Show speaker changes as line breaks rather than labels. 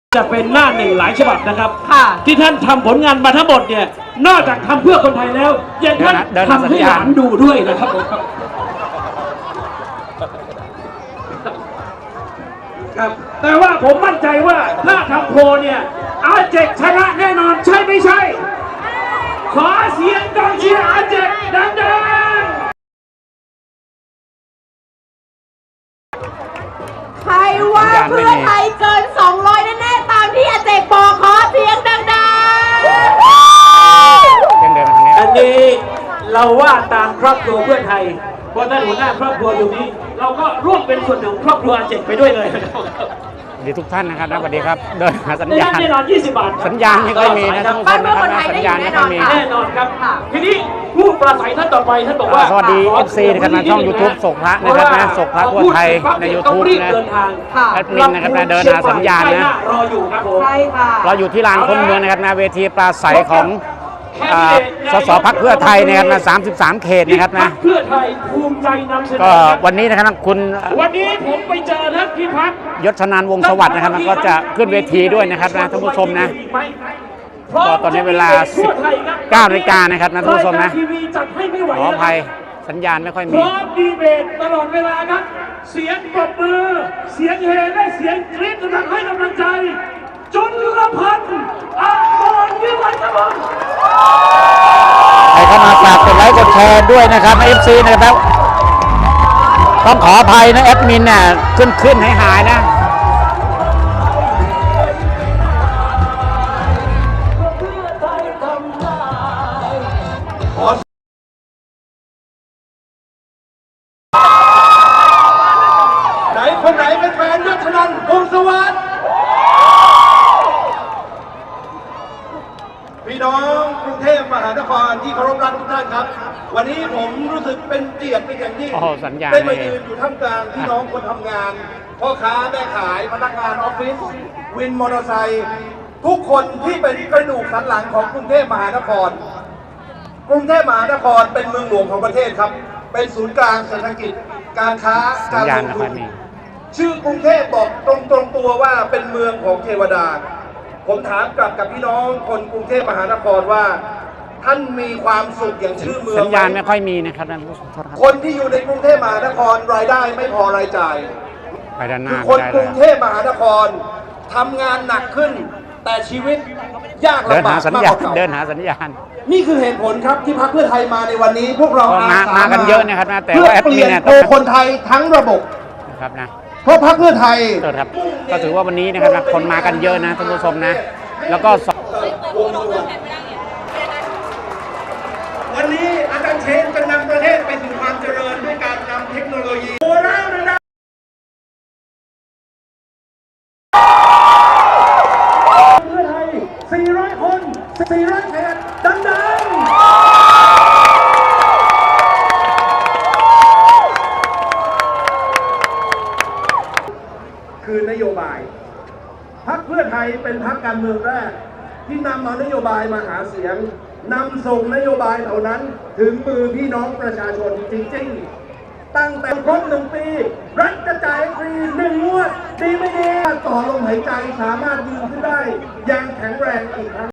จะเป็นหน้าหนึ่งหลายฉบับนะครับ
ค่ะ
ที่ท่านทำผลงานมาทั้งหมดเนี่ยนอกจากทำเพื่อคนไทยแล้วยังท่านทำให้หลานดูด้วยนะครับผมครับแต่ว่าผมมั่นใจว่าถ้าทำโพลเนี่ยอาเจกชนะแน่นอนใช่ไม่ใช่ ขอเสียงกองเชียร์อาเจกดังๆ
ใครว่าเพื่อไทยเกิน 200 แน่ๆตามที่อาเจกบอกขอเสียงดังๆ
อันนี้เราว่าตามครอบครัวเพื่อไทยเพราะท่านหัวหน้าครอบครัวอยู่นี้เราก็ร่วมเป็นส่วนหนึ่งของครอบครัวอาเจกไปด้วยเลยนะครับ
ดีทุกท่านนะครับสวัสดีครับเดินหาสัญญาณ
แน่นอน20 บาท
สัญญาณไม่ค่อยมีนะท่านผู้ชมนะครับนะสัญญาณไม่ค่อยมี
แน่นอนครับทีนี้ผู้ปราศัยท่านต่อไปท่านบอกว่า
สวัสดี FC นะครับทางช่อง YouTube ศกพระนะครับนะศกพระทั่วไทยใน YouTube นะแอดมินนะครับนะเดินหาสัญญาณนะ
รออยู่ครับผม
ใช่ค่ะ
เราอยู่ที่ลานคนเมืองนะครับนะเวทีปราศัยของสสพรรคเพื่อไทยนะครับนะ33 เขตนะครับนะ
เพื่อไทยภูมิใจนำเสนอ
ก็วันนี้นะครับคุณ
วันนี้ผมไปเจอท่านพิพัฒน์
ยศชนานวงศ์สวัสดิ์นะครับก็จะขึ้นเวทีด้วยนะครับนะท่านผู้ชมนะก็ตอนนี้เวลา 19 นาฬิกานะครับนะท่านผู้ชมนะขออภัยสัญญาณไม่ค่อย
พ
มี
ร้อมดีเบตตลอดเวลาครับเสียงปรบมือเสียงเฮและเสียงกรี๊ดกำลังให้กำลังใจจุลพันธ์อมรวิวัฒน์ครับผม
ใครเข้ามาฝากกดไลค์กดแชร์ด้วยนะครับใน FC นะครับต้องขออภัยนะแอดมินเนี่ยขึ้นหายนะ
ไหนคนไหนเป็นแฟนยศชนันท์วงศ์สวัสดิ์พี่น้องกรุงเทพมหานครที่เคารพรักทุกท่านครับวันนี้ผมรู้สึกเป็นเกียรติเป็นอย่างยิ่ง
สัญญาณ
ได้มายืนอยู่ท่ามกลางพี่น้องคนทำงานพ่อค้าแม่ขายพนักงานออฟฟิศวินมอเตอร์ไซค์ทุกคนที่เป็นกระดูกสันหลังของกรุงเทพมหานครกรุงเทพมหานครเป็นเมืองหลวงของประเทศครับเป็นศูนย์กลางเศรษฐกิจการค้าการลงทุนชื่อกรุงเทพบอกตรงตัวว่าเป็นเมืองของเทวดาผมถามกลับกับพี่น้องคนกรุงเทพมหานครว่าท่านมีความสุขอย่างชื่อเมือง
สัญญาณไม่ค่อยมีนะครับท่านผู้ชมครับ
คนที่อยู่ในกรุงเทพมหานครรายได้ไม่พอรายจ่าย
ไปด้านห
คื
น้า
อคนกรุงเทพมหานครทำงานหนักขึ้น แต่ชีวิตยาก
เดิน
ลำบา
หาก สัญ
มาก
ญาก ณ
ว่าเก่า
เดินหาสัญญาณ
นี่คือเหตุผลครับที่พรรคเพื่อไทยมาในวันนี้พวกเรา
ก็
อาสา
มากันเยอะนะครับนะแต่
เพื่อ
ว่าแอด
เป
มิ
ลี่
น
ยน
เนี่ย
โกคนไทยทั้งระบบ
นะครับนะ
เพราะพรรคเพื่อไทย
ครับก็ถือว่าวันนี้นะครับคนมากันเยอะนะท่านผู้ชมนะแล้วก็
วันนี้อาจารย์เชนจะนำประเทศไปสู่ความเจริญด้วยการนำเทคโนโลยีโบราณนะเพื่อไทย400 คน400 เขตดังๆคือนโยบายพรรคเพื่อไทยเป็นพรรคการเมืองแรกที่นำเอานโยบายมาหาเสียงนำส่งนโยบายเหล่านั้นถึงมือพี่น้องประชาชนจริงๆตั้งแต่ครบ1 ปีรัฐจะจ่ายฟรี1 งวดดีไม่ดีต่อลมหายใจสามารถยืนขึ้นได้อย่างแข็งแรงอีกครั้ง